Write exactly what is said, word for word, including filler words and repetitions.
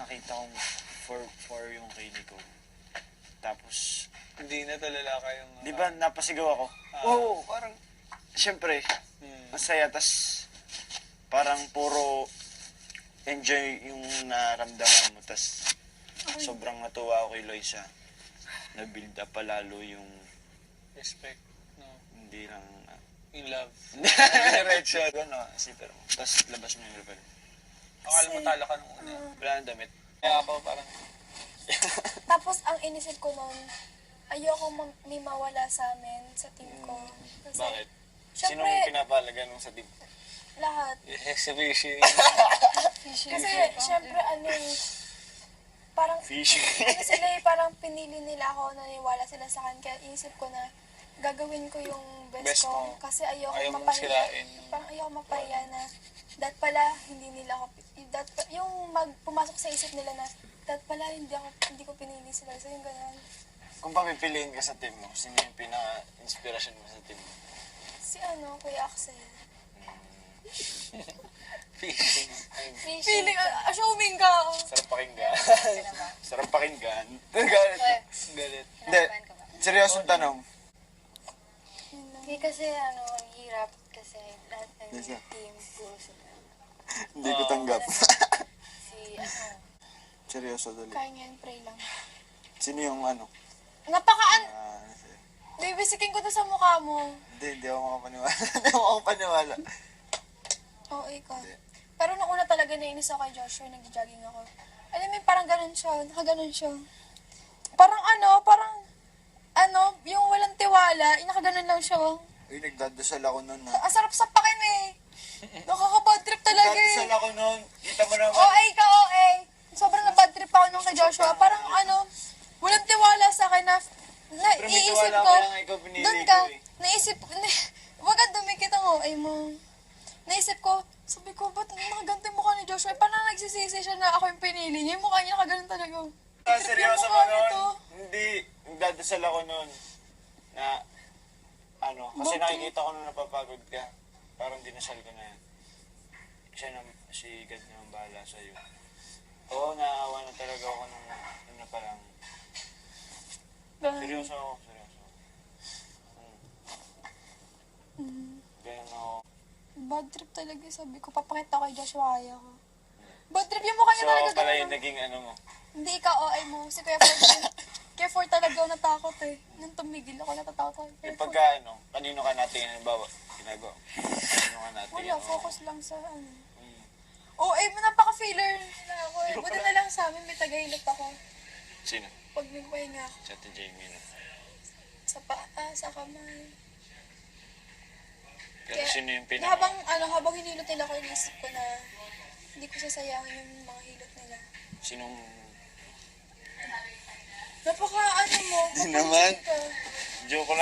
nakita kong four four yung kay Nico. Tapos, Hindi na talala kayong... Uh, di ba napasigaw ako? Ah. Oo, oh, parang, syempre, Hmm. masaya, tas parang puro enjoy yung naramdaman mo, tas sobrang natuwa ako kay Loisa. Na-build up pa lalo yung Respect. No? hindi lang, uh, In love. Red shot. ano, sipper mo. Tas labas mo yung rebel. Akala mo talo ka nung una. Wala nang damit. Kaya ako parang... Tapos ang inisip ko noon, ayoko ma- may mawala sa amin, sa team ko. Kasi, Bakit? syempre, Sinong pinapalaga nung sa team? lahat. Exhibition. Kasi, syempre, ano eh, parang, Fishing. ano sila eh, parang pinili nila ako, naniwala sila sa akin. Kaya inisip ko na, gagawin ko yung best, Best ko. mo. Kasi ayoko Ayaw mong mapahiya. sirain. Parang ayoko mapahiya na, dat pala, hindi nila ako, dat, yung mag, pumasok sa isip nila na, dat pala, hindi ako, hindi ko pinili sila. So, yung ganun. Kung papipiliin ka sa team mo, sino yung pinaka-inspirasyon mo sa team mo? Si ano, Kuya Axel. Fishing. Feeling, uh, assuming ka. Sarap pakinggan. Sarap pakinggan. Galit. Galit. Hindi, seryosong tanong. Hindi kasi ano, ang hirap kasi lahat ng Yes, sir. team puro sila. Hindi ko tanggap. Si ano, Seryoso dali. Kaya ngayon, pray lang. Sino yung ano? Napakaan, Ah, bibisikin ko to sa mukha mo. Hindi, hindi ako makapaniwala. Hindi ako makapaniwala. Oo, ikaw. Pero nung una talaga nainis ako kay Joshua, nag-jogging ako. Alam mo, parang ganun siya, nakaganon siya. Parang ano, parang, ano, yung walang tiwala, yung nakaganon lang siya. Uy, nagdadasal ako nun ha. Ang sarap sa pakin eh. Nakaka-bad trip talaga Nagdadasal eh. ako nun. Kita mo naman. O A ka, O A. Sobrang na-bad trip ako nung kay Joshua. Parang ano, walang tiwala sa akin na, Pero may naiisip tiwala ko, ko lang ikaw pinili doon ko ka, eh. naisip, na, wag ka dumikit ang O A mo. Naisip ko, sabi ko, ba't nakaganto yung mukha ni Joshua? Paano nagsisisi siya na ako yung pinili niya? Yung mukha niya nakaganon talaga. Ah, Trip seryoso yung mo mukha nun? nito. Hindi. Nagdadasal ako nun. Na, ano, kasi Bakit? nakikita ko nung napapagod ka. Parang dinasal ko na yan. Siya na, si God naman bahala sa'yo. Oo, naawa na talaga ako nung, ano pa lang. Seryoso ako, seryoso. Hmm. Ganyan ako. Bad trip talaga. Sabi ko, papakita ko kay Joshua, kaya ko. Bad trip yung mukha niya So, talaga. ako pala ganun. yung naging ano mo. Hindi ka O A mo. Si Kuya Ford. Kuya Ford talaga ako natakot eh. Nung tumigil ako, natatakot ako. Kuya Yung Ford. pagka ano, kanino ka natin, halimbawa, ginagawa. Kanino ka natin, Wala, ano, focus lang sa ano. mm, O A mo, napaka-filler nila ako eh. Buti na lang sa amin, may tagahilot ako. Sino? Pag nagpahinga ako. Si Ate Jamie. No? Sa paa, sa kamay. Pero Kaya, sino yung na pinaka... habang, ano, habang hinilot nila ako, inisip ko na hindi ko sasayangin yung mga hilot nila. Sinong... Napaka, ano mo, Di naman. papansin ka. Joke lang.